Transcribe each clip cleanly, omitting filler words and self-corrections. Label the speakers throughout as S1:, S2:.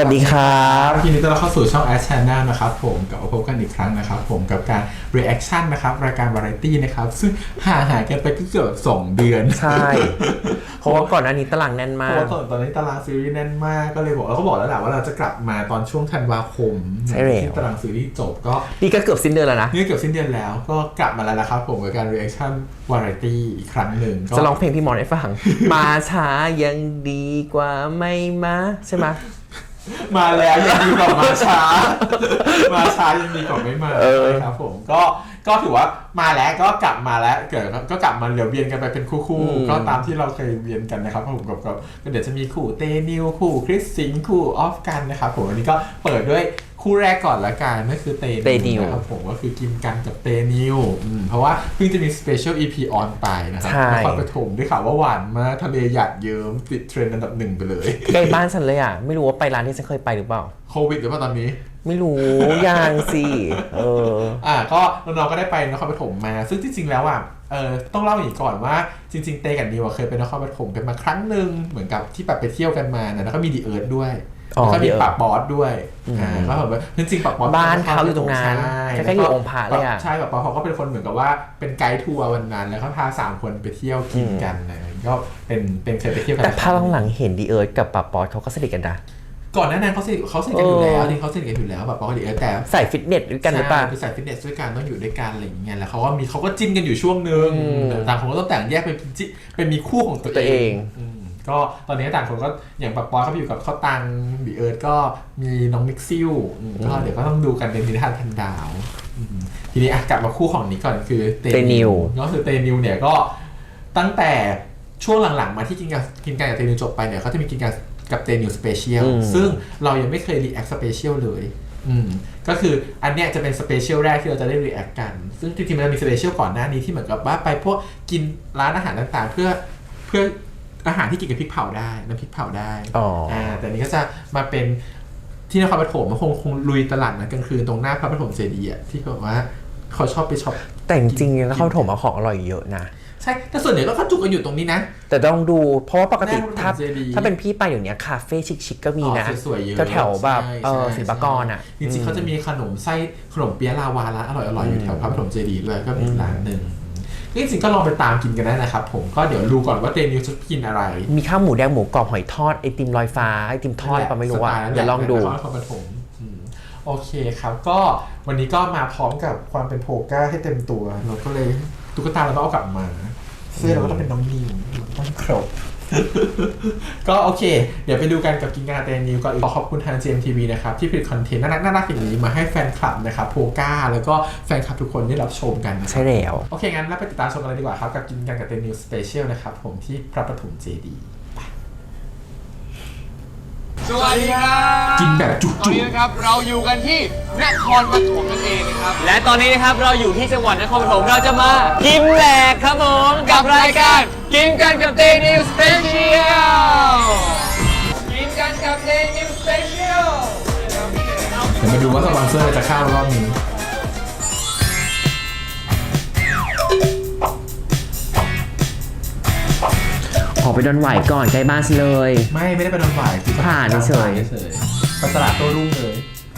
S1: วัสดีครับ
S2: ทีนี้เราเข้าสู่ช่อง Ash Channel นะครับผมกับพบกันอีกครั้งนะครับผมกับการ reaction นะครับรายการ variety นะครับซึ่งห่างหายกันไปเกือบ2 เดือน
S1: ใช่เพราะว่าก่อนอันนี้ตารางแน่นมาก
S2: เพราะว่าตอนนี้ตารางซีรีส์แน่นมากก็เลยบอกแล้วก็บอกแล้วแหละว่าเราจะกลับมาตอนช่วงธันวาคม
S1: ใช่แล้ว
S2: ที่ตารางซีรีส์จบก็
S1: นี่ก็เกือบสิ้นเดือนแล้วนะ
S2: นี่เกือบสิ้นเดือนแล้วก็กลับมาแล้วนะครับผมกับการ reaction variety อีกครั้งหนึ่ง
S1: จะร้องเพลงพี่มอนให้ฟัง มาช้ายังดีกว่าไม่มาใช่ไหม
S2: มาแล้วยังดีกว่ามาช้า มาช้ายังดีกว่าไม่มาครับผมก็ถือว่ามาแล้วก็กลับมาแล้วก็กลับมาเดี๋ยวเวียนกันไปเป็นคู่ๆก็ตามที่เราเคยเวียนกันนะครับผมก็เดี๋ยวจะมีคู่เตนิวคู่คริสสิงห์คู่ออฟกันนะครับผมวันนี้ก็เปิดด้วยคู่แรกก่อนละกันนั่นคือเตนิวนะครับผมก็คือกินกันกับเตนิวเพราะว่าเพิ่งจะมีสเปเชียล EP ออนไปนะครับนครปฐมได้ข่าวว่าหวานมากทะเลหยาดเยิ้มติดเทรนด์อันดับ1ไปเลย
S1: ใกล้บ้านฉันเลยอ่ะไม่รู้ว่าไปร้านที่ฉันเคยไปหรือเปล่า
S2: โควิดหรือเปล่าตอนนี้
S1: ไม่รู้ยังสิ
S2: ก็น้องๆก็ได้ไปนครปฐมมาซึ่งจริงๆแล้วต้องเล่าอย่างนี้ก่อนว่าจริงๆเตกับนิวเคยไปนครปฐมกันมาครั้งหนึ่งเหมือนกับที่แบบไปเที่ยวกันมาแล้วก็มีดีเอิร์ธด้วยแล้วก็มีปากบอสด้วยก็แบบจริงๆปากบอส
S1: บ้านเขาอยู่ตรงนั้นแค่อยู่องค์พระเลยอ่ะ
S2: ใช่ปากบอสเขาก็เป็นคนเหมือนกับว่าเป็นไกด์ทัวร์วันนั้นแล้วเขาพา3 คนไปเที่ยวกินกันก็เป็นเคยไปเที่ยวกัน
S1: แต่ภาพหลังเห็นดีเอิร์ธกับปากบอสเขาก็สนิทกันนะ
S2: ก่อนหน้านั้นเขาสนิทกันอยู่แล้วที่เขาสนิทกันอยู่แล้วแบบปกติแต่
S1: ใส่ฟิตเนสด้วยกันหรือเปล่า
S2: คือใส่ฟิตเนสด้วยกันต้องอยู่ด้วยกันอะไรอย่างเงี้ยแล้วเขาก็จิ้นกันอยู่ช่วงนึงต่างคนก็ต้องแต่งแยกเป็นมีคู่ของตัวเองก็ตอนนี้ต่างคนก็อย่างปักปอยเขาอยู่กับข้าวตังบีเอิร์ธก็มีน้องมิกซิลก็เดี๋ยวก็ต้องดูกันเป็นนิทานพันดาวทีนี้กลับมาคู่ของนี้ก่อนคือเตนิวก็คือเตนิวเนี่ยก็ตั้งแต่ช่วงหลังๆมาที่กินกันกับเตนิวจบไปเนี่ยเขาจะมีกินกันกับเตนิวสเปเชียลซึ่งเรายังไม่เคยรีแอคสเปเชียลเลยก็คืออันเนี้ยจะเป็นสเปเชียลแรกที่เราจะได้รีแอคกันซึ่งจริงๆมันมีสเปเชียลก่อนหน้านี้ที่เหมือนกับว่าไปพวกกินร้านอาหารต่างๆเพื่ออาหารที่กินกับพริกเผาได้น้ำพริกเผาได้แต่นี้ก็จะมาเป็นที่นครปฐมมันคงลุยตลาดนัดกลางคืนตรงหน้าพระปฐมเจดีย์ที่แบบว่าเขาชอบไปช็อป
S1: แต่จริงๆแล้วเขาถมเอาของอร่อยเยอะนะ
S2: ใช่แต่ส่วนใหญ่ก็เขาจุกกันอยู่ตรงนี้นะ
S1: แต่ต้องดูเพราะว่าปกติถ้าเป็นพี่ไปอย่างเนี้ยคาเฟ่ชิคๆก็มีนะแถวแบบศิลปากรอ่ะ
S2: จริงๆเขาจะมีขนมเปี๊ยะลาวาร้านอร่อยๆอยู่แถวพระปฐมเจดีย์ด้วยก็เป็นร้านหนึ่งจริงๆก็ลองไปตามกินกันได้นะครับผมก็เดี๋ยวดูก่อนว่าเตนิวจะกินอะไร
S1: มีข้าวหมูแดงหมูกรอบหอยทอดไอติมลอยฟ้าไอติมทอดปะไม่รู้ว่าเดี๋ยวลองดู
S2: โอเคครับก็วันนี้ก็มาพร้อมกับความเป็นโพก้าให้เต็มตัวเราก็เลยตุ๊กตาเราต้องเอากลับมาเสื้อเราก็ต้องเป็นน้องนิวต้องครบก็โอเคเดี๋ยวไปดูกันกับกินกันเตนิวก่อนขอบคุณทาง GMTV นะครับที่ผลิตคอนเทนต์น่ารักอย่างนี้มาให้แฟนคลับนะครับโพก้าแล้วก็แฟนคลับทุกคนได้รับชมกัน
S1: ใช่แล้ว
S2: โอเคงั้นเราไปติดตามชมกันเลยดีกว่าครับกับกินกันกับเตนิวสเปเชียลนะครับผมที่พระปฐมเจดีย์
S3: สวัสดีครับ
S2: กินแบบจุกๆต
S3: อนนี้นะครับเราอยู่กันที่นครปฐมนั่นเองนะครับและตอนนี้นะครับเราอยู่ที่จังหวัดนครปฐมเราจะมากินแหลกครับผมกับรายการกินกันกับเตนิวสเปเชียลกินกันกับเตนิวสเปเชียล
S2: เดี๋ยวมาดูว่าสปอนเซอร์จะเข้ารอบนี้
S1: ออกไปดอนไหวก่อนใกล้บ้านเลย
S2: ไม่ได้ไปดอนไหว
S1: ผ่านเฉย
S2: ไปตลาดโต้รุ่งเลย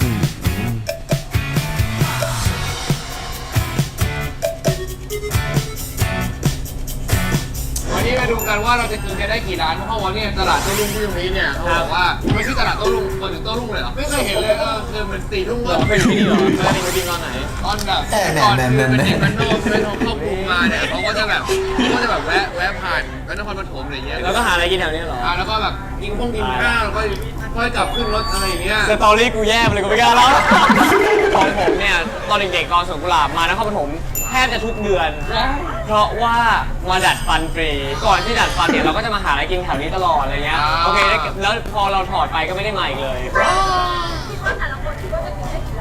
S3: วันนี้มาดูกันว่าเราจะกินกันได้กี่ร้านเพราะว่าเนี่ยตลาดโต้รุ่งที่ตรงนี้เนี่ยเขาบอกว่าไม่ใช่ตลาดโต้รุ่งมาถึงโต้รุ่งเลยเหรอไม่เคยเห็นเลยคือเหมือน4 ทุ่มเลยเป็นที่นี่เหรอไม่ได้มากินตอนไหนตอนแบบก่อนเป็นเด็กบ้านนอกเป็นครอบครัวมาเนี่ยเขาก็จะแบบแวะผ่านนครปฐมอะไรเงี้ย
S4: แล้วก็หาอะไรกินแถวนี้เหรอ
S3: แล้วก็แบบกินข้าวแล้วก็ค่อยกลับขึ้นรถอะไรอย่างเงี้ย
S4: สตอรี่กูแย่เลยกูไม่กล้าแล้วของผมเนี่ยตอนเด็กๆตอนสวนกุหลาบมานครปฐมแทบจะทุกเดือนเพราะว่ามาดัดฟันฟรีก่อนที่ดัดฟันเนี่ยเราก็จะมาหาอะไรกินแถวนี้ตลอดอะไรเงี้ยโอเคแล้วพอเราถอดไปก็ไม่ได้มาอีกเลย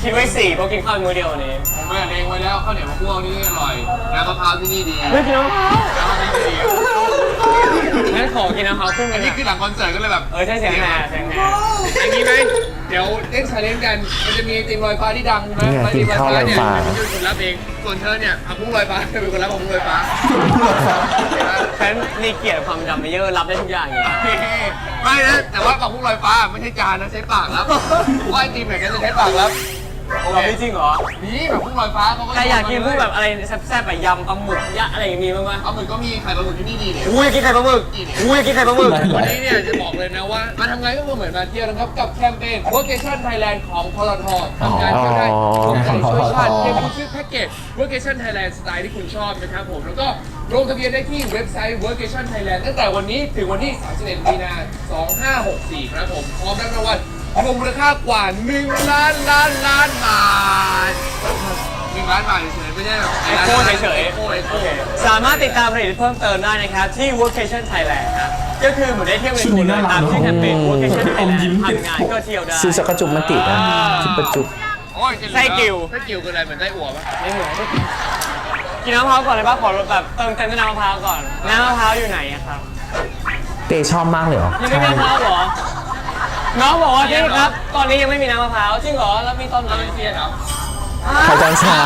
S4: คิดไว้4เพราะกินข้าวมื้อเดียววันนี้
S3: ผมไม่เองไว้แล้วข้าวเหนียวมะม่วงนี่อร่อยน้ำมะพร้าวที่นี่ดี
S4: ไม่กินน้ำมะพร้าว
S3: น้ำมะพร้าวที่นี่ดี
S4: งั้นขอกินน้ำมะพร้าวครึ่งนึ
S3: อัน
S4: ง
S3: นี้
S4: อะ
S3: คือหลังคอนเสิร์ตก็เลยแบบ
S4: ใช่เสียงแห่เสียงแห่
S3: อย่างนี้ไหมเดี๋ยวเล่นชาเลนจ์กันมันจะมีตีมลอยฟ้าที่ดังใช่ไหม
S1: เนี่ย
S3: ตีมลอยฟ้าเนี่ย
S1: กินข้าวลอยฟ้า
S3: เป็นคนรับเองส่วนเธอเนี่ยเอาพุ่งลอยฟ้าเป็นคนรับของพุ่งลอยฟ้า
S4: ฉันมีเกียรติความจำไม่เยอะรับได้ทุกอย่างอยู่
S3: ไม่นะแต่ว่ากับพุ่งลอยฟ้าไม่ใช่จานนะใช้ปากรับว่าไอตีมแบบนี้จะใช้ปากรับ
S4: เราไม่จริงเหรอ
S3: นี่แบบพุ่งลอยฟ้าเขาก็
S4: ใครอยากกินพวกแบบอะไรแซ่บๆแบบยำปลาหมึกยะอะไรอย่างนี้บ้างไหม
S3: เอาหมึกก็มีไข่ปลาหมึกที่นี่ดีเนี่ย
S4: กูอยากกินไข่ปลาหมึกกูอยากกินไข่ปลาหมึก
S3: วันนี้เนี่ยจะบอกเลยนะว่ามาทำงานก็เหมือนมาเที่ยวนะครับกับแคมเปญ Workation Thailand ของพลททำงานก็ได้ทำงานช่วยชาติเพียงคุณซื้อแพ็กเกจ Workation Thailand สไตล์ที่คุณชอบนะครับผมแล้วก็ลงทะเบียนได้ที่เว็บไซต์ Workation Thailand ตั้งแต่วันนี้ถึงวันที่ 31 มีนาคม 2564 ครับผมพร้อมรับรางวัลรวมมูลค่ากว่า 1 ล้านบาท1 ล้านบาทเฉยๆไม่ใช่แบบ
S4: ไอโค้เฉย
S3: โอ้
S4: ๆสามารถติดตามผลิตเพิ่มเติมได้นะครับที่ Workation Thailand ครับก็คือเหมือนได้เที่ยวในตัวเลยตามที่แคมเปญ Workation Thailand ทำงานก็เที่ยวได้
S1: ซื้อสักกระจุกมันติดนะจุบประจุบ
S3: โอ้ย
S4: ไส้กิ่ว
S3: ไส้กิ่วคืออะไรเหมือนไส้อั่วปะ
S4: ไม่เหมือนกินน้ำมะพร้าวก่อนเลยป่ะขอแบบเติมเต็มด้วยน้ำมะพร้าวก่อนน้ำมะพร้าวอยู่ไหนอะครับ
S1: เตชอบมากเลยเหรอ
S4: ยังไม่มีน้ำมะพร้าวเหรอน้องบอกว่าพี่ครับ ตอนนี้ยังไม่มีน้ำมะพร้าวจริงเหรอแล้วมีตอนไหน
S3: เซียนเหรอ
S1: ใครตอนเช้า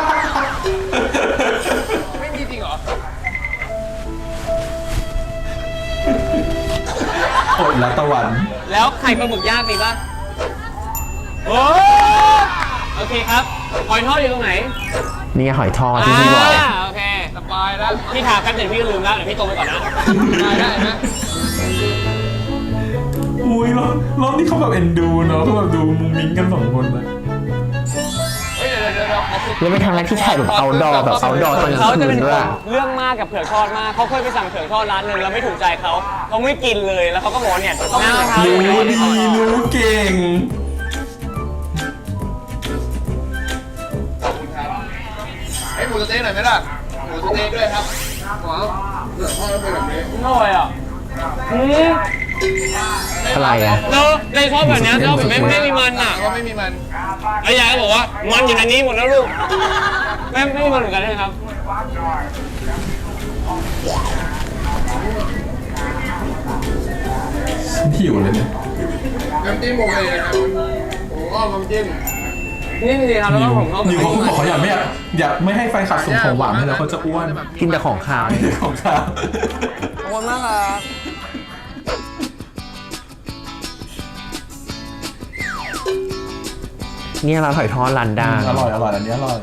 S3: ไม่มีจริงเหรอ
S2: โอดละตะวัน
S4: แล้วไข่ปลาหมึกย่างมีป่ะโอ้โอเคครับหอยทอดอยู่ตรงไหน
S1: นี่ไงหอยทอดที่พี่บอก
S4: โอเค
S3: สบายแล้ว
S4: พี่ถามกันเดี๋ยวพี่ก็ลืมแล้วเดี๋ยวพี่โตไปก่อนนะ
S3: ได้นะ
S2: อุ้ยรอบนี้เขาแบบเอ็นดูเนาะเขาแบบดูมุ้งมิ้งกันสองคนเลย
S3: เฮ้ยเดี๋ยวขอฝึก
S1: แล้วเป็นครั้งแรกที่ถ่ายแบบเอาดอแบบเอาดอตอนกลาง
S4: เขาจะ
S1: คื
S4: เป็น น
S1: ด้วย
S4: เรื่องมากกับเผือกทอดมากเขาเคยไปสั่งเผือกทอดร้านหนึงแล้วไม่ถูกใจเขาไม่กินเลยแล้วเขาก็บอกว่าเนี่ยต้องน้ำมะพร้าว
S2: รู้ดีรู้เก่ง
S3: ขอบคุณครับให้หมูสะเต๊ะหน่อยไหมล่ะหมูสะเต๊ะด้วยครับหมอเผือกทอดแล้วเป็นแบบนี้
S4: อร่อยอ่ะ
S1: อะไรอ่ะ
S4: เราในซอสแบบนี้ซอสแบบไม่มีมันอ่ะ
S3: ก็ไม่มีมัน
S4: แล้วยายก็บอกว่ามันอยู่ในนี้หมดแล้วลูกไม่มีมันเหมือนกันใช่ไหมครับ
S2: หิวเลยเนี่ย
S3: น้ำจิ้มโอเคนะครับผมก็น้ำจิ้ม
S4: นี่จริงๆครับแล้วก็ผมเข้า
S2: นิวเขาบอกเขาอยากไม่ให้แฟนคลับส่งของหวานให้แล้วเขาจะอ้วน
S1: กินแต่ของขาว
S2: ของข้าว
S4: ขอบคุณมากครับ
S1: เนี่ยเราหอยทอดร้านดัง
S2: อร่อยอันนี้อร่อย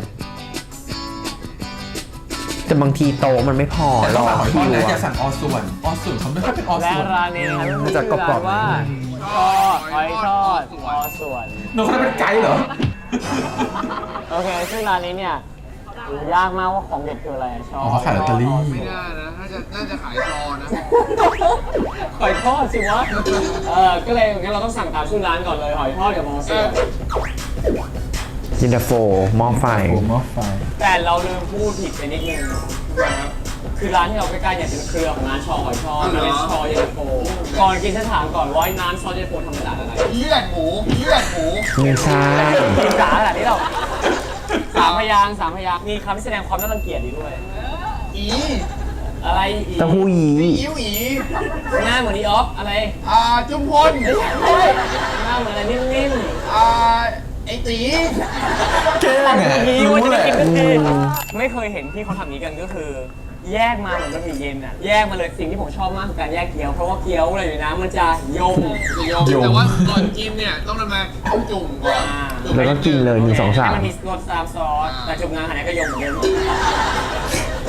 S1: แต่บางทีโตะมันไม่พอ
S2: แต่
S1: ร
S2: ต้อ
S1: อง
S2: สั่งหอยทอด
S1: คิว
S2: นะอย่า
S1: อะ
S2: สั่งออส่วนเขาไม่ค่อยเป็นออ
S4: และ
S2: ส่วน
S4: ร้านนี้นะครับ
S1: มันจะกรอบๆ
S4: ว่าหอยทอดอส่วน
S2: น้องเขาเป็นไกด์เหรอ
S4: โอเคซึ่งร้านนี้เนี่ยยากมากว่าของเด็ดคืออะไรชอบ
S2: อ๋อเขาขายลอตเตอรี่
S3: ไม่น่านะน่าจะขายซอนะ
S4: หอยทอดสิวะก็เลยงั้นเราต้องสั่งตามชื่อร้านก่อนเลยหอยทอดกับมอสเซอร์
S1: ยินดาโฟหม้อไฟ
S2: โอ้หม้อไฟ
S4: แต่เราลืมพูดผิดไปนิดนึงนะครับคือร้านที่เราใกล้ๆเนี่ยเป็นเครือของร้านชอหอยทอดมันเป็นชอเย็นตาโฟก่อนกินฉันถามก่อนว่าร้านชอเย็นตาโฟทำมาจากอะไร
S3: เลือดหมู
S1: ไม่ใช่
S4: กินจ๋าขนาดนี้หรอสามพยางค์มีคำที่แสดงความน่ารังเกียจดีด้วย
S3: อี
S4: อะไรอีก
S1: เต้าหู้ยี้
S3: อิ๋วอี
S4: หน้าเหมือนอีออฟอะไร
S3: จุมพล
S4: หน้าเหมือนอะไรนิ่ม
S3: ไอตี
S2: แกล้ง
S4: ๆ
S2: อ่ะ
S4: ยี
S2: รู้
S4: ว่าจะ
S2: แห
S4: ได้
S2: ละ
S4: กินทุกทีไม่เคยเห็นที่เขาทำนี้กันก็คือ แยกมาเหมือนบะหมี่เย็นอ่ะแยกมาเลยสิ่งที่ผมชอบมากคือการแยกเกี๊ยวเพราะว่าเกี๊ยวอะไรอยู่นะมันจะยม
S3: แต่ว่าก่อนกินเนี่ยต้องนำมาต้มจุ่มก่อน
S1: แล้วก็กินเลย1 2
S4: ให้มันมี
S1: 3
S4: รสตามซอสแต่จุ่มงานขนาดนี้ก็ยมเหมือนเดิม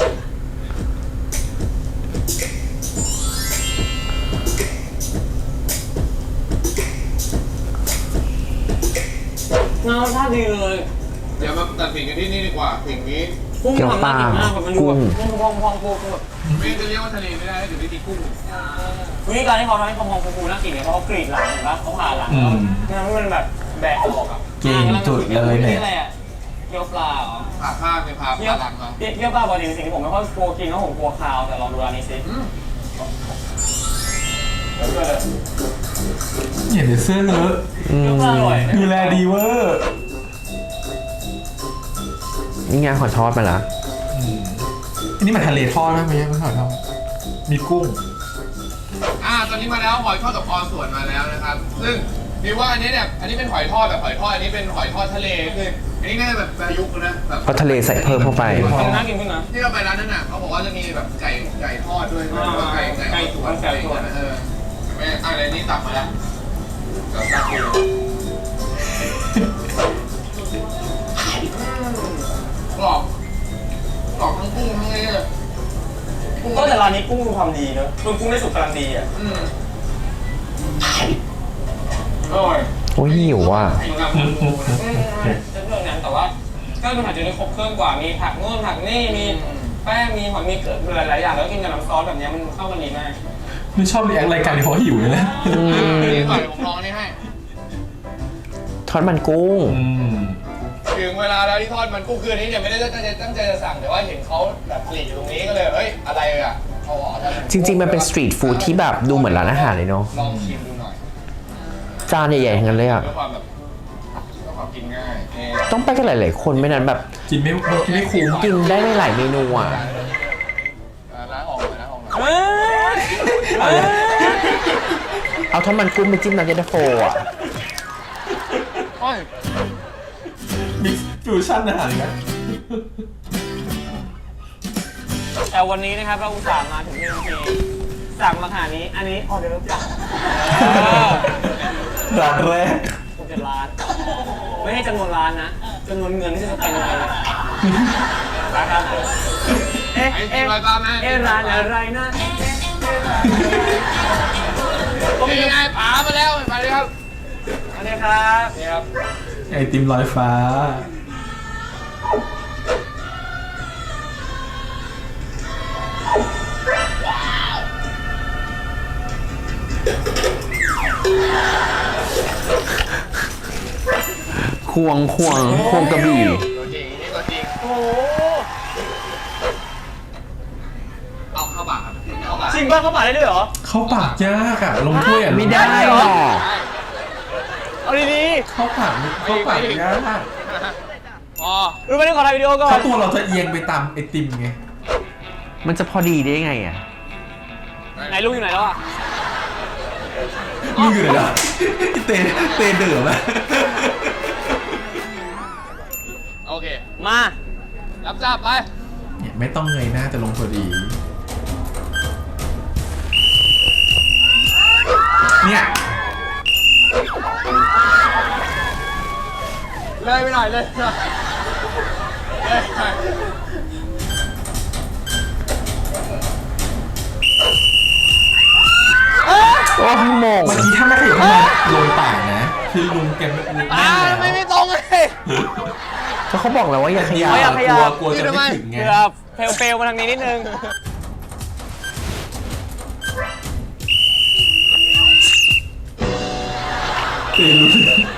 S4: รสชาติดีเลย
S3: เดี๋ยวมาตัดสินกันที่นี่ดีกว่าสิ่งนี้
S4: กุ้งทำน่ากินมากแบบมันดูแบบกุ้งพองๆฟู
S3: ไม่จะเรียกว่าทะเลไม่ได้เดี๋ยวไม่มีกุ้ง
S4: ๆวิธีการที่เขาทำให้พองๆฟูๆน่ากินเนี่ยเพราะเขากรีดหลังเห็นปะเขาผ่าหลังแล้วทำให้มันแบบแบะออกอ่ะ
S2: เก่งจุดเลยเนี่ย
S4: นี่อะไรอ่ะเกี๊ยวปลาเหรอ
S3: ผ่าข้างเนี่ยผ่า
S4: เกี๊ยว
S3: หลังมา
S4: เกี๊ยวปลาปกติเป็นสิ่งที่ผมไม่ค่อยกลัวกินเพราะผมกลัวคาวแต่ลองดูร้านนี้สิ
S2: เห็นแต่เสื้อเลอะ
S4: เกี๊ยวปลาอร่อย
S2: ดูแลดีเวอร์
S3: โอ้
S1: นี่ไงหอยทอดมาละ
S2: อันนี้มันทะเลทอดไหมไม่ใช่ไม่หอยทอดมีกุ้ง
S3: ตอนนี้มาแล้วหอยทอดกับออส่วนมาแล้วนะครับ ซึ่งมีว่าอันนี้เนี่ยอันนี้เป็นหอยทอดแบบหอยทอดอันนี้เป็นหอยทอดทะเลคืออันนี้น่าจะแบบประยุกต์นะแบบ
S1: เพราะทะเลใส่เพิ่มเข้าไป
S4: น่ากินขึ้นนะ
S3: ที่เราไปร้านนั้นน่ะเขาบอกว่าจะมีแบบไก่ทอดด้วยไก่ส่วนอะไรนี่ตักมาแล้วตักเลยกรอบทั้งกุ้งทั้งนี้เลย
S4: ก็แต่ร้านนี้กุ้งทำดีเนอะกุ้งได้สุกกำลังดีอ่ะ
S3: อร่อย
S1: โอ้ยหิวว่ะ
S4: จะเรื่องนั้นแต่ว่าเครื่องผัดจะได้ครบเครื่องกว่ามีผักนู่นผักนี่มีแป้งมีหอมมีเกลือหลายๆอย่างแล้วกินกับน้ำซอสแบบนี้มันเข้ากันดีมาก
S2: ไม่ชอบรีแอครายการเพราะหิวเลยนะ
S3: นี่ก่อนผมลองนี่ให้
S1: ทอดมันกุ้ง
S3: ถึงเวลาแล้วที่ทอดมันกุ้งคืนนี้เนี่ยไม่ได้ตั้งใจจะสั่งแต่ว่าเห็นเขาแบบผลิตอยู่ตรงนี้ก็เลยเฮ้ยอะไรอ่ะเขาบอกว่า
S1: จริงๆมันเป็นสตรีทฟู้ดที่แบบดูเหมือนร้านอาหารเลยเนาะ
S3: ลองชิมดูหน่อย
S1: จานใหญ่ๆทั้งนั้นเลยอ่ะ
S3: เพื่อความแบบเพื่อความกินง่าย
S1: ต้องไปกันหลายๆคนไม่นั้นแบบ
S2: กินไม่คุ้ม
S1: กินได้หลายเมนูอ่ะ
S3: ล้างออกเลยล้างออกเลย
S1: เอาทอดมันกุ้งไปจิ้มน้ำเย็นตาโฟอ่ะ
S2: มิกซ์ฟิวชั่นอาหารนะ
S4: แต่วันนี้นะครับเราอุตส่าห์มาถึงที่สั่งมาขนาดนี้อันนี้ออเดอร์จ้ะ
S2: ร้านแรก
S4: ผมจะร้านไม่ให้จำนวนร้านนะจำนวนเงินที่จะเป็นยังไงนะครับร้านอะไรนะ
S3: ก็มีไงป๋ามาแล้วมาเลยครับ
S4: อันนี้ครับนี่ครับ
S2: ไอติมลอยฟ้า
S1: ควงกระบี่
S3: ตัวจริงนี่ตัวจริง
S4: โอ้
S3: เอาเข้าปากครับเข้าปาก
S4: จริงป่ะเขาปาดได้ด้วยเหรอ
S2: เข้าปากยากอะลงถ้วยอะ
S1: ไม่ได้หรอก
S4: เอาดี
S2: เข้าปากยาก
S3: อ๋อ
S4: ๆรู้ไหมนี่ขอถ่ายวิดีโอก่อ
S2: เพ
S4: น
S2: ราะตัวเราจะเอียงไปตามไอติมไง
S1: มันจะพอดีได้ไงอ่ะ
S4: ไหนลุงอยู่ไหนแล้วอ่ะ
S2: มึงอยู่ไหนล่ะเตเดือดไหม
S3: โอเค
S4: มา
S3: รับทราบไป
S2: เนี่ยไม่ต้องเงยหน้าจะลงพอดี เนี่ย
S3: เลยไปหน่อยเลย
S1: โอ้ยโมง
S2: เมื่อกี้ถ้าไม่ขยับเข้ามาลงปากนะ คือลุงแกแน่นแล้ว
S3: ไม่ตรงเลย
S1: ก็เขาบอกแล้วว่าอย่าขยับ
S2: กลัวจะไม่ถึงไง
S4: เกือบเฟลมาทางนี้นิดนึง
S2: ตีลุง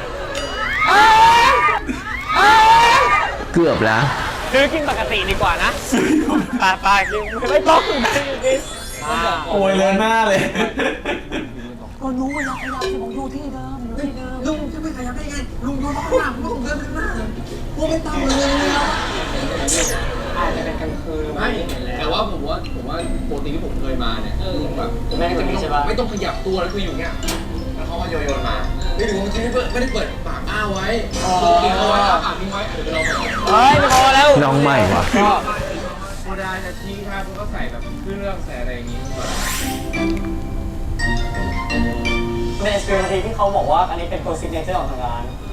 S1: เกือบแล้ว
S4: คือกินปกติดีกว่านะไปกินไม่ต้องกิน
S2: โอยเลยหน้าเลย
S5: ลุงจะไม่ขยับได้ไง ลุงโดนข้างหลังลุงเดินข้างหน้าพวกไม่ต้องเลยแล้ว
S3: ไม่แต่ว่าผมว่าปกติที่ผมเคยมาเนี่ยแบบ
S4: แม่งจะมีใช่ปะ
S3: ไม่ต้องขยับตัวแล้วคืออยู่เงี้ยแล้วเขาก็โยนมาไม่ถึงว่าจริงไม่ได้เปิดปากอ้าไว้กินเอาไว้ปากนี้ไว้เดี๋ยวเรา
S4: เฮ้ยไม่พอแล้ว
S1: น้องใหม่ว่ะ
S3: โซดาจะทิ้งครับก็ใส่แบบเครื่องใส่อะไรอย่างงี้
S4: ในสตรีมที่เขาบอกว่าอันนี้เป็นตัวซิกเนเจอร์ของทางร้าน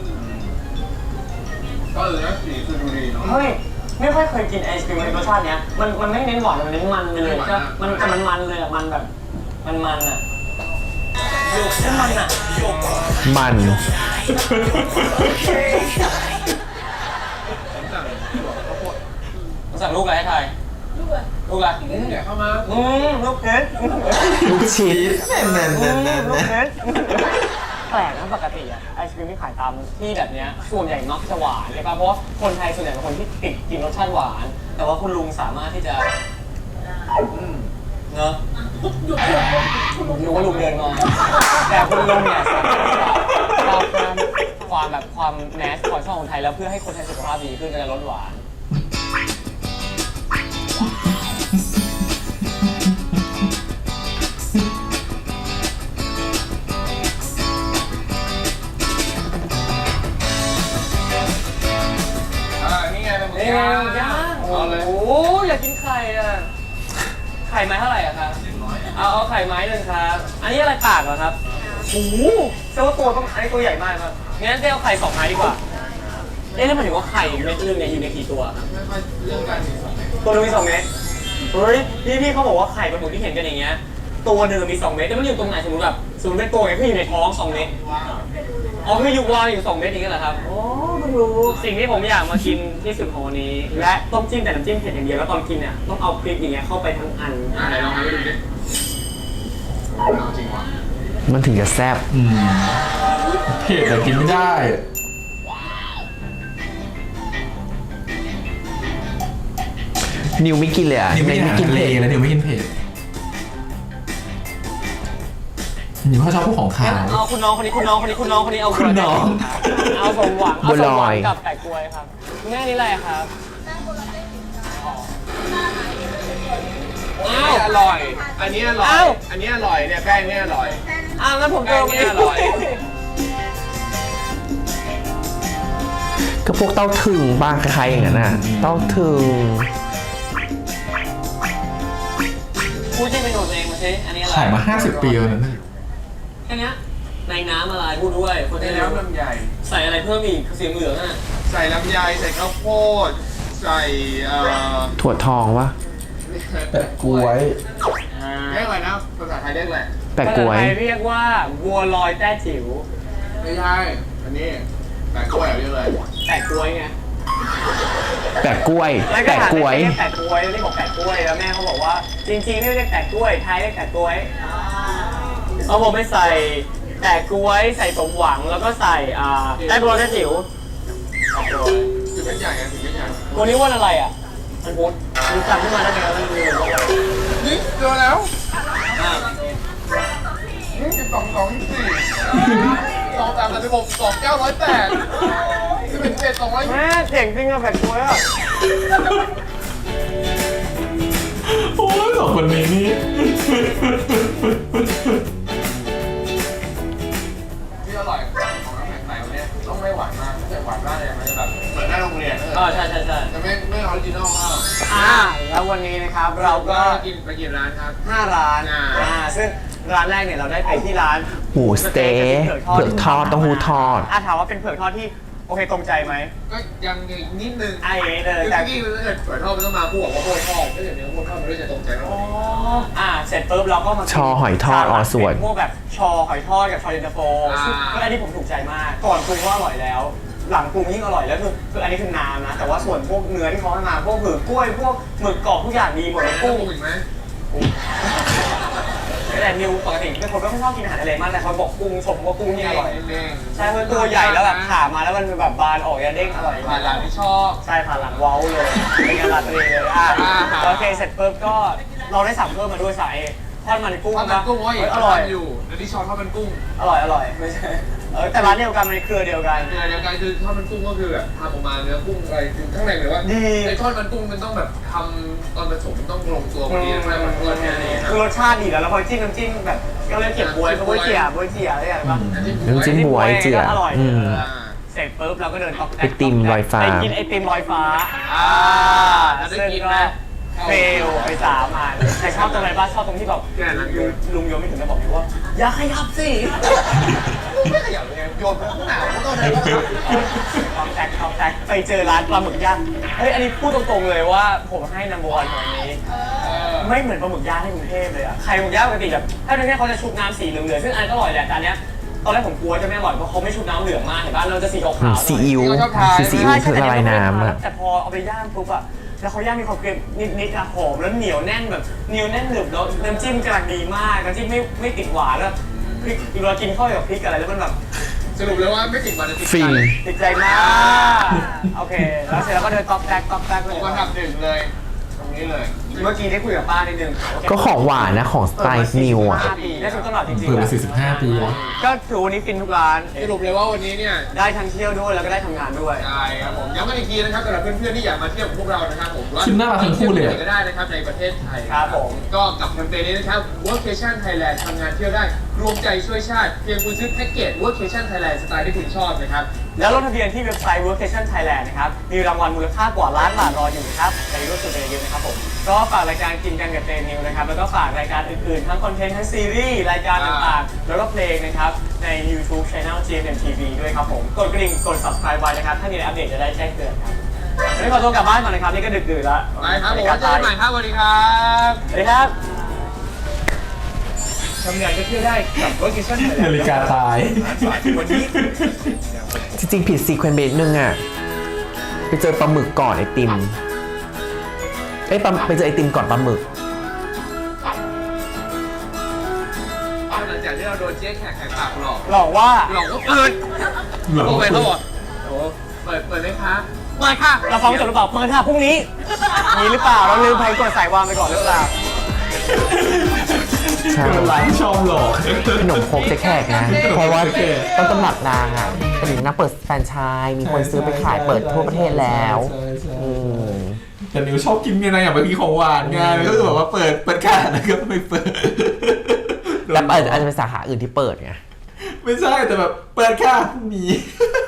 S3: ก็นะสีคือดูดีเนาะ
S4: เฮ้ยไม่ค่อยเคยกินไอศกรีมรสชาติเนี้ยมันไม่เน้นหวานมันเน้นมันไปเลยใช่มันแต่มันเลยอ่ะมันแบบมันอ่ะใช่มันอ่ะ
S1: มัน
S4: สั่งลูกอะไรให้ไทยลูกอะไร
S3: เดี๋ยวเข้ามา
S4: ลูกเพชร
S1: ลูกชีส
S4: ลูกเพชรแปลกนะปกติอะไอศกรีมที่ขายตามที่แบบเนี้ยส่วนใหญ่มักจะหวานใช่ป่ะเพราะว่าคนไทยส่วนใหญ่เป็นคนที่ติดกินรสชาติหวาน แต่ว่าคุณลุงสามารถที่จะเนอะรู้ว่าลุงเดินมาแต่คุณลุงเนี่ยสามารถที่จะเอาความแบบความแมสของช่องคนไทยแล้วเพื่อให้คนไทยสุขภาพดีขึ้นจะลดหวานเป็นไงย่างโอ้โหอยากกินไข่อ่ะไข่ไม้เท่าไหร่อะครับเอาไข่ไม้หนึ่งครับอันนี้อะไรปากเหรอครับโอ้โหแสดงว่าตัวต้องอันนี้ตัวใหญ่มากครับงั้นเจ๊เอาไข่2 ไม้ดีกว่าแล้วหมายถึงว่าไข่เม็ดนึงเนี่ยอยู่ในกี่ตัวครับตัวนึงมี2 เม็ดเฮ้ยพี่เขาบอกว่าไข่ปลาหมึกที่เห็นกันอย่างเงี้ยตัวหนึ่งมี2 เม็ดแต่มันอยู่ตรงไหนสมมติแบบเป็นตัวไงคืออยู่ในท้อง2 เม็ดอ๋อคืออยู่วางอยู่2 เม็ดอย่างเงี้ยเหรอครับโอ้เพิ่งรู้สิ่งที่ผมอยากมากินที่สุดของวันนี้และต้มจิ้มแต่น้ำจิ้มเผ็ดอย่างเดียวแล้วตอนกินเนี่ยต้องเอาพริกอย่างเงี้ยเข้าไปทั้งอัน
S3: ไหนลองให้ดูดิจริงวะ
S1: มันถึงจะแซ่บ
S2: เผ็ดแต่กินไม่ได้
S1: นิวไม่กินเลยอ่ะ
S2: นิวไม่กินอาหารทะเลแล้วนิวไม่กินเผ็ดนิวเขาชอบพวกของขาว
S4: เอาคุณน้องคนนี้เอา
S2: คุณน้อง
S4: เอาสมหวังเอาสมหวังกับไก่กล้วยครับแม่นี่อะไรครับ
S3: อันนี้อร่อย อันนี้อร่อย อันนี้อร่อยเนี่ยแป้งเนี่ยอร่อย
S4: งั้นผมเจอ
S3: แป้งเนี่ยอร่อย
S1: ก็พวกเต้าถึงบ้างคล้ายๆอย่างนั้นน่ะเต้าถึง
S4: พูดชื่อเมนูตัวเองมาสิอันนี้อะไร
S2: ขายมา50 ปีแล้วนะเนี่ย
S4: แค่นี้ในน้ำอะไรพูดด้วยคน
S3: ใน
S4: ที่
S3: น้ำลำไย
S4: ใส่อะไรเพิ่มอีกสีเหลืองอ่ะ
S3: ใส่ลำไยใส่ข้าวโพดใส่
S1: ถั่วทองวะ
S2: แปะกล้วย
S3: เรียกอะไรนะภาษาไทยเรียกอะไร
S1: แปะกล้วย
S4: ภาษาไทยเรียกว่าบัวลอยแต้จิ๋ว
S3: ไม่ใช่อันนี้แปะกล้วยเรียกอะไร
S4: แปะกล้วยไง
S1: แปะกล้วย แปะกล้วย
S4: เรียกแปะกล้วยเรียกบอกแปะกล้วยแล้วแม่เขาบอกว่าจริงๆไม่เรียกแปะกล้วยไทยเรียกแปะกล้วยเอาผมไม่ใส่แปะกล้วยใส่สมหวังแล้วก็ใส่แต้บัวลอยแต้จิ๋ว
S3: ถึงเป็นใหญ่ไงถึงเป็นใหญ่
S4: วันนี้วันอะไรอ่ะมันพุธมันจำขึ้นมาได้ไหมว่ามันมีวันอะไร
S3: นี่เจอแล้วนี่2 2 24 2 3 36 2 9 108 11 7 200
S4: แม่เจ๋งจริงอะแปะกล้วยอะ
S2: โอ้ยสองคนนี้นี่
S3: ที่อร่อยของน้ำแข็งใสวันนี้ต้องไม่หวานมากถ้าเกิดหวานมากเนี่ยมันจะแบบเหมือนหน้าโรงเรียน
S4: ใช่
S3: จะไม่ออริจินอลมาก
S4: แล้ววันนี้นะครับเราก็
S3: ไปกินร้านครับ
S4: 5 ร้านซึ่งร้านแรกเนี่ยเราได้ไปที่ร้าน
S1: หมูสเต๊ะเผือกทอดเต้าหู้ทอด
S4: ถามว่าเป็นเผือกทอดที่โอเคตรงใจไหม
S3: ก็ยังนิดนึง
S4: ไอ้เลย
S3: คือ
S4: แต่
S3: เมื่อกี้ถ้าเกิดเปิดทอดมันต้องมาคู่กับข้าวโพดทอดถ้าเกิดเนื้อข้าวโพดทอดมันด้วยจะตรงใจมาก
S4: เสร็จปุ๊บเราก็มา
S1: ชอหอยทอดส่วน
S4: พวกแบบชอหอยทอดกับชอเย็นตาโฟซึ่งอันนี้ผมถูกใจมากก่อนปรุงก็อร่อยแล้ว หลังปรุงยิ่งอร่อยแล้วคืออันนี้คือน้ำนะแต่ว่าส่วนพวกเนื้อที่เขาให้มาพวกเผือกกล้วยพวกหมึกกรอบทุกอย่างดีหมดเลย
S3: กุ้
S4: กุ้
S3: ง
S4: ง
S3: อีกไหม
S4: แต่นิวปกติเป็นคนไม่ชอบกินอาหารทะเลมากแต่เขาบอกกุ้งชมว่ากุ้งนี่อร่อย
S3: เด้ง
S4: ใช่มันตัวใหญ่แล้วแบบขามาแล้วมันแบบบานออกยาเด้งอร่อย
S3: ผ่านหลังที่ชอบ
S4: ใช่ผ่านหลังเว้าเลยเป็นการันตีเลยโอเคเสร็จปุ๊บก็เราได้สั่งเพิ่มมาด้วยสายทอดมันกุ้ง
S3: ทอดมันกุ้งว่าอีก
S4: อร่อย
S3: อยู่แล้วที่ชอบทอดมันกุ้ง
S4: อร่อยไม่ใช่แต่ร้านเดียวกันในเครือเดียวกัน
S3: เดียวกันคือทอดมันกุ้งก็คือแบบทำออกมาเนื้อกุ้งอะไรคือข้างในเลยว่า
S4: ดี
S3: ไอ้ทอดมันกุ้งมันต้องแบบทำตอนผสมมันต้องลงตัวพอดีไม่มันเกินแค่นี้
S4: คือรสชาติดีแล้วพอจิ้มน้ำจิ้มแบบก็เลยเก็บบวยบวยเจี๋ยอะไรอย่างเงี้ย
S1: น้ำจิ้มบวยเจือ
S4: อร่อย
S1: ม
S4: เสร็จปุ๊บเราก็เดินต๊อกแต๊ก
S1: ไอติมลอยฟ้า
S4: ไปกินไอติมลอยฟ้า
S3: แล้วได้
S4: ซึ่ง
S3: กิน
S4: ก็
S3: ไหม
S4: เฟลไป3 อันแต่ชอบตรงไหนบ้างชอบตรงที่แบบลุงโยมไม่ถึงจะบอกว่าอย่าขยับสิ
S3: ไม่ขยับเลยโยนข้างหน้าก็ต้องเลย
S4: ท็อปแท็กไปเจอร้านปลาหมึกย่างเฮ้ยอันนี้พูดตรงๆเลยว่าผมให้นัมเบอร์วันของอันนี้ ไม่เหมือนปลาหมึกย่างในกรุงเทพเลยอะใครปลาหมึกย่างปกติแบบถ้าในนี้เขาจะชุบน้ำสีเหลืองๆซึ่งอันก็อร่อยแหละแต่อันเนี้ยตอนแรกผมกลัวจะไม่อร่อยเพราะเขาไม่ชุบน้ำเหลืองมากเห็นป่ะเราจะสีขาวๆหน่อย
S1: ซีอิ๊วคือซีอิ๊วคือละลายน้ำอะ
S4: แต่พอเอาไปย่างปุ๊บอะแล้วเขาย่างมีความเกรียมนิดๆอะหอมแล้วเหนียวแน่นแบบเหนียวแน่นหนึบแล้วน้ำจิ้มกำลังดีมากน้ำจิ้มไม่ติดหวานแล้วพริกเวลากินข้าวกับพริกอะไรแล้วมันแบบ
S3: สรุปเลยว่าไม่ติดมันจะติด
S1: ฟิน
S4: ติดใจมากโอเคแล้วเสร็จแล้วก็เดินต๊อกแต๊กเลย
S3: ผมก็ทำหนึ่งเลยตรงนี้เลย
S4: เมื่อกี้ได้คุยกับป้านิดนึง
S1: ก็ของหวานนะของสไตล์นิวอ่ะ
S4: 45 ปีได้ชุดตลอดจริง
S2: เปิด
S4: ๆ
S2: มา
S4: อะ
S2: 45 ปีแล้ว
S4: ก็ถือวันนี้ฟินทุกร้าน
S3: สรุปเลยว่าวันนี้เนี่ย
S4: ได้ทั้งเที่ยวด้วยแล้วก็ได้ทำงานด้วย
S3: ใช่ครับผมย้ำกันอีกทีนะครับสำหรับเพื่อนๆที่อยากมาเที่ยวกับพวกเรานะครับผม
S2: ชิ้นน่ารักทั้งคู่เลย
S3: ก็ได้นะครับในประเทศไทย
S4: ครับผม
S3: ก็กับแคมเปญนี้นะครับ Workation Thailand ทำงานเที่ยวได้รวมใจช่วยชาติเพียงคุณซื้อแพ็กเกจ Workation Thailand สไตล์ที่คุณชอบนะครับ
S4: แล้วลงทะเบียนที่เว็บไซต์ Workation Thailand นะครับ มีรางวัลมูลค่ากว่าล้านบาทรออยู่นะครับในร่วมสุดเยอะนะครับผม ก็ฝากรายการกินกันกับเจนิวนะครับ แล้วก็ฝากรายการอื่นๆ ทั้งคอนเทนต์ทั้งซีรีส์รายการต่างๆ แล้วก็เพลงนะครับ ใน YouTube Channel GMMTV ด้วยครับผม กดกระดิ่ง กด subscribe ไว้นะครับ ถ้ามีอะไรอัปเดตจะได้แจ้งเตือนครับวันนี้ขอตัวกลับบ้านก่อนนะครับ นี่ก็ดึกดื่นแล้ว
S3: ไปครับผมเจอกันใหม่ครับสวัสดีครับ
S4: สวัสดีครับทำงานก็เที่ยวได้กับ Workation Thailand
S2: นาฬิกาตาย
S4: วันนี้
S1: จริงๆผิดซีเควนต์เบสนึงอ่ะไปเจอปลาหมึกก่อนไอติมไปเจอไอติมก่อนปลาหมึก
S3: หลังจากที่เราโดนเจ๊แขกแขกปากหลอก
S4: หลอกว่า
S3: หลอกก็เปิด
S2: หลอก
S3: โอเคเขาบอกโอ้เปิดไหมคะเปิดค่ะ
S4: เราฟังจบหรือเปล่าเปิดค่ะพรุ่งนี้มีหรือเปล่า เราลืมไปกดสายวางไปก่อนหรือเปล่า
S1: ใช่
S2: เป็นร้านชอบหลอก
S1: ขนมโครกเจ๊แขกนะ เพราะว่าต้นตำรับนางอ่ะเป็นนางเปิดแฟรนไชส์มีคนซื้อไปขายเปิดทั่วประเทศแล้ว
S2: ใช่
S1: อืม
S2: แต่นิวชอบกินไงนะอย่างบางทีของหวานไงก็คือแบบว่าเปิดค่ะแล้วก็ไม่เปิด
S1: แต่อาจจะเป็นสาขาอื่นที่เปิดไง
S2: ไม่ใช่แต่แบบเปิดค่ะพรุ่งนี้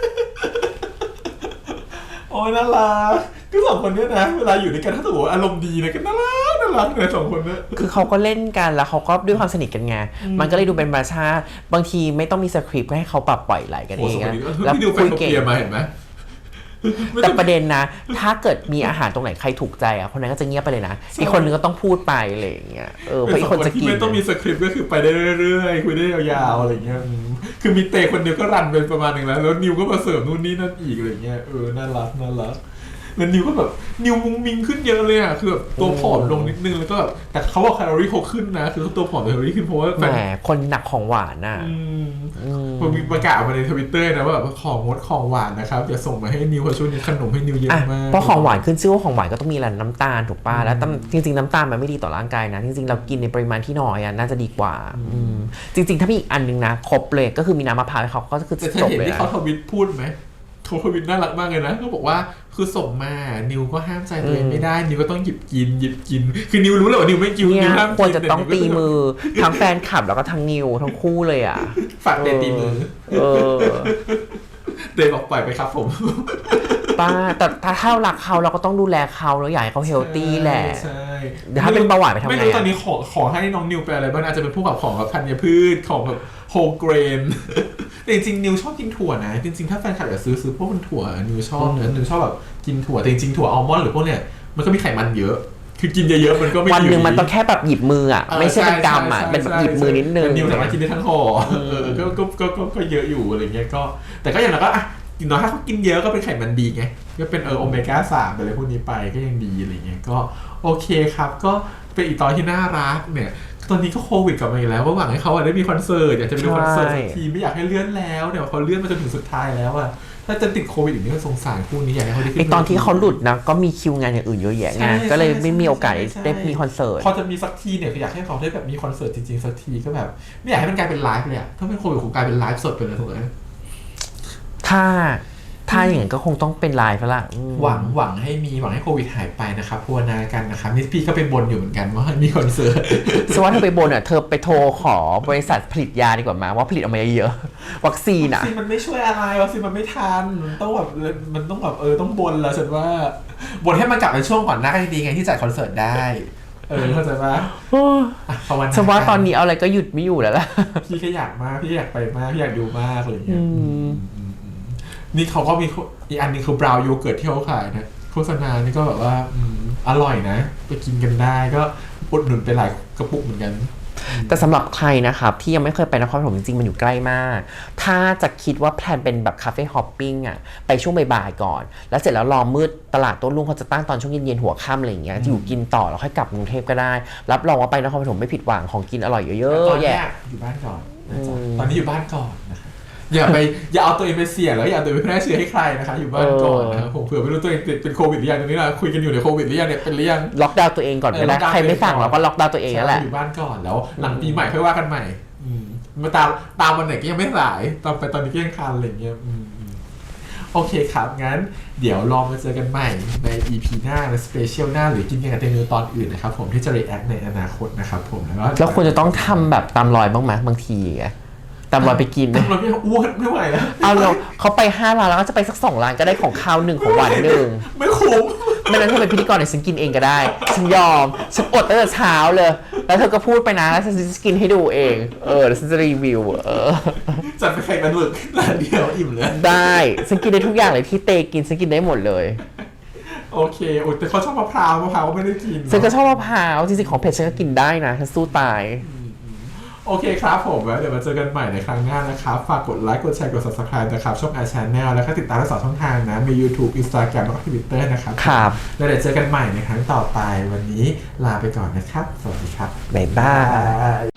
S2: โอ้ยน่ารักคือสองคนเนี้ยนะเวลาอยู่ด้วยกันถ้าสมมติว่าอารมณ์ดีเนี่ยก็น่ารักเลยสองคนเนี้ย
S1: คือเขาก็เล่นกันแล้วเขาก็ด้วยความสนิทกันไง มันก็เลยดูเป็นธรรมชาติบางทีไม่ต้องมีสคริปต์ก็ให้เขาปรับปล่อยไหลกัน
S2: โอ้
S1: เอ
S2: ส
S1: ง
S2: องคน
S1: อะ
S2: นี้
S1: แล้ว
S2: พี่ดูแฟ
S1: คุ
S2: น
S1: ย
S2: เขา
S1: เก่ง
S2: เปียร์มาเห็นไหม
S1: แต่ประเด็นนะ ถ้าเกิดมีอาหารตรงไหนใครถูกใจอ่ะคนนั้นก็จะเงียบไปเลยนะ อีกคนนึงก็ต้องพูดไปอะไรอย่างเงี้ยเพราะอีกคนจะกิน
S2: ที่ไม่ต้องมีสคริปต์ก็คือไปได้เรื่อยๆคุยได้ยาวๆอะไรเงี้ยคือมีเตะคนเดียวก็รันเป็นประมาณนึงแล้วนิวก็มาเสริมนู่นนี่นั่นอีกอะไรเงี้ยน่ารักแล้วนิวก็แบบนิวมุ้งมิงขึ้นเยอะเลยอ่ะคือแบบตัวผอมลงนิดนึงแล้วก็แบบแต่เขาบอกแคลอรี่เขาขึ้นนะคือตัวผอมแต่แคลอรี่ขึ้นเพราะว่า
S1: แหมคนหนักของหวานน่ะ
S2: มันมีประกาศมาใน Twitter นะว่าแบบของงดของหวานนะครับอย่าส่งมาให้นิวเพราะช่วงนี้ขนมให้นิวเยอะมาก
S1: เพราะของหวานขึ้นชื่อว่าของหวานก็ต้องมีแหละน้ำตาลถูกป่ะแล้วจริงๆน้ำตาลมันไม่ดีต่อร่างกายนะจริงๆเรากินในปริมาณที่น้อยอ่ะน่าจะดีกว่าจริงๆถ้ามีอีกอันนึงนะครบเลยก็คือมีน้ำมะพร้าวให้เขาก็คือ
S2: แต่
S1: จบ
S2: เห็น
S1: เลย
S2: ที่
S1: นะ
S2: เขาทวิตพูดไหมเขาทวิตน่ารักมากเลยนะเขาบอกว่าคือส่งมานิวก็ห้ามใจตัวเองไม่ได้นิวก็ต้องหยิบกินคือนิวรู้เลยว่านิวไม่กิน
S1: เนี่ย
S2: นิวห้ามกิน
S1: ควรจะต้องตีมือทั้งแฟนคลับแล้วก็ทั้งนิวทั้งคู่เลยอ่ะ
S2: ฝากเดนตีมือ เดนบอกปล่อยไปครับผม
S1: ป้าแต่ถ้าเรารักเขาเราก็ต้องดูแลเขาแล้วอยากให้เขาเฮลตี้แหละ
S2: ใช่
S1: เดี๋ยวถ้าเป็นเบาหวานไปทำไง
S2: ไม่รู้ตอนนี้ขอให้น้องนิวไปอะไรบ้างอาจจะเป็นพวกแบบของแบบธัญพืชของแบบโฮเกรน แต่จริงๆนิวชอบกินถั่วนะจริงๆถ้าแฟนคลับอยากซื้อพวกมันถั่วนิวชอบนะนิวชอบแบบกินถั่วแต่จริงๆถั่วอัลมอนด์หรือพวกเนี้ยมันก็มีไขมันเยอะคือกินเยอะๆมันก็ไม่ดี
S1: วันหนึ่งมันต้องแค่แบบหยิบมืออ่ะไม่ใช่เป็นกำอ่ะเป็นแบบหยิบมือนิดนึง
S2: นิวสามารถกินได้ทั้งห่อก็เยอะอยู่อะไรเงี้ยก็แต่ก็อย่างนั้นก็อ่ะกินน้อยถ้าเขากินเยอะก็เป็นไขมันดีไงก็เป็นโอเมก้า3ไปเลยพวกนี้ไปก็ยังดีอะไรเงี้ยก็โอเคครับก็เป็นอีกตอนที่น่ารักเนี่ยตอนนี้ก็โควิดกลับมาอีกแล้วว่าหวังให้เขาได้มีคอนเสิร์ตอยากจะไปดูคอนเสิร์ตสักทีไม่อยากให้เลื่อนแล้วเดี๋ยวเขาเลื่อนมาจนถึงสุดท้ายแล้วอะถ้าจะติดโควิดอีกนี่ก็สงสารคู่นี้อยากให้เขาได้ขึ้น
S1: ไอตอนที่เขาหลุดนะก็มีคิวงานอย่างอื่นเยอะแยะไงก็เลยไม่มีโอกาสได้มีคอนเสิร์ต
S2: พอจะมีสักทีเนี่ยคืออยากให้เขาได้แบบมีคอนเสิร์ตจริงๆสักทีก็แบบไม่อยากให้มันกลายเป็นไลฟ์เลยอะถ้าเป็นโควิดคงกลายเป็นไลฟ์สดไปเลยถูกไหม
S1: ถ้าอย่างนั้นก็คงต้องเป็นไลฟ์แล้วล่ะ
S2: หวังให้โควิดหายไปนะครับภาวนากันนะครับนี่พี่ก็ไปบนอยู่เหมือนกันว่าให้มีคอนเสิร์ต
S1: สวัสดีเธอไปบนอ่ะเธอไปโทรขอบริษัทผลิตยาดีกว่ามาว่าผลิตออกมาเยอะๆวัคซีนอ่ะ
S2: วัคซีนมันไม่ช่วยอะไรวัคซีนมันไม่ทันมันต้องแบบต้องบนแล้วฉันว่าบนให้มันกลับในช่วงก่อนหน้าก็ดีไงที่จัดคอนเสิร์ตได้เข้าใจปะภาวนา
S1: สวัสดีตอนนี้เอาอะไรก็หยุดไม่อยู่แล้วล่ะ
S2: พี่ก็อยากมากพี่อยากไปมากพี่อยากดูมากอะไรอย่างเงี้ยนี่เขาก็มีอีกอันนึงคือบราวน์โยเกิร์ตที่เขาขายนะโฆษณานี่ก็แบบว่าอร่อยนะไปกินกันได้ก็อุดหนุนไปหลายกระปุกเหมือนกัน
S1: แต่สำหรับใครนะครับที่ยังไม่เคยไปนครปฐมจริงๆมันอยู่ใกล้มากถ้าจะคิดว่าแพลนเป็นแบบคาเฟ่ฮอปปิ้งอ่ะไปช่วงบ่ายๆก่อนแล้วเสร็จแล้วรอมืดตลาดโต้รุ่งเขาจะตั้งตอนช่วงเย็นๆหัวค่ำอะไรอย่างเงี้ยอยู่กินต่อแล้วค่อยกลับกรุงเทพก็ได้รับรองว่าไปนครปฐมไม่ผิดหวังของกินอร่อยเยอะๆแยะ
S2: อยู่บ้านก่อนนะจ๊ะตอนนี้อยู่บ้านก่อนนะครับอย่าเอาตัวเองไปเสี่ยงแล้วอย่าเอาตัวเองไปแพร่เชื้อให้ใครนะคะอยู่บ้านก่อนนะครับผมเผื่อไม่รู้ตัวเองติดเป็นโควิดหรือยังตอนนี้เราคุยกันอยู่ในโควิดหรือยังเนี่ยเป็นหรือยัง
S1: ล็อกดาวน์ตัวเองก่อนก็ได้ใครไม่สั่งเราก็ล็อกดาวน์ตัวเองนั่นแหละ
S2: อยู่บ้านก่อนแล้วหลังปีใหม่ค่อยว่ากันใหม่มาตามวันไหนก็ยังไม่สายตอนนี้ก็ยังคันอะไรเงี้ยโอเคครับงั้นเดี๋ยวลองมาเจอกันใหม่ใน EP หน้าในสเปเชียลหน้าหรือกินกันกับเตนูตอนอื่นนะครับผมที่จะ react ในอนาคตนะครับผม
S1: แล้วควรจะต้องทำแบบตามรอยบ้างไหมบางทีอะตามรอยไปกิน
S2: ตามรอยไม่อ้วนไม่ไหวแล้ว
S1: เอาเราเขาไป5 ร้านแล้วก็จะไปสัก2 ร้านก็ได้ของข้าว1ของหวาน1
S2: ไม่คุ้ม
S1: ไม่นั้นเธอเป็นพิธีกรเนี่ยฉันกินเองก็ได้ฉันยอมฉันอดตั้งแต่เช้าเลยแล้วเธอก็พูดไปนะแล้วฉันจะกินให้ดูเองแล้วฉันจะรีวิว
S2: จัดไปแข่งกันหมึกร้านเดียวอิ่มเลย
S1: ได้ฉันกินได้ทุกอย่างเลยที่เตกินฉันกินได้หมดเลย
S2: โอเคแต่เขาชอบมะพร้าวก็ไม่ได้กิน
S1: ฉันก็ชอบมะพร้าวจริงๆของเผ็ดฉันก็กินได้นะฉันสู้ตาย
S2: โอเคครับผมแล้วเดี๋ยวมาเจอกันใหม่ในครั้งหน้านะครับฝากกดไลค์กดแชร์กด Subscribe นะครับช่อง iChannel แล้วก็ติดตามทั้ง2 ช่องทางนะมี YouTube Instagram แล้วก็ Twitter นะครับ
S1: ครับ
S2: แล้วเดี๋ยวเจอกันใหม่ในครั้งต่อไปวันนี้ลาไปก่อนนะครับสวัสดีครับ
S1: บ๊ายบาย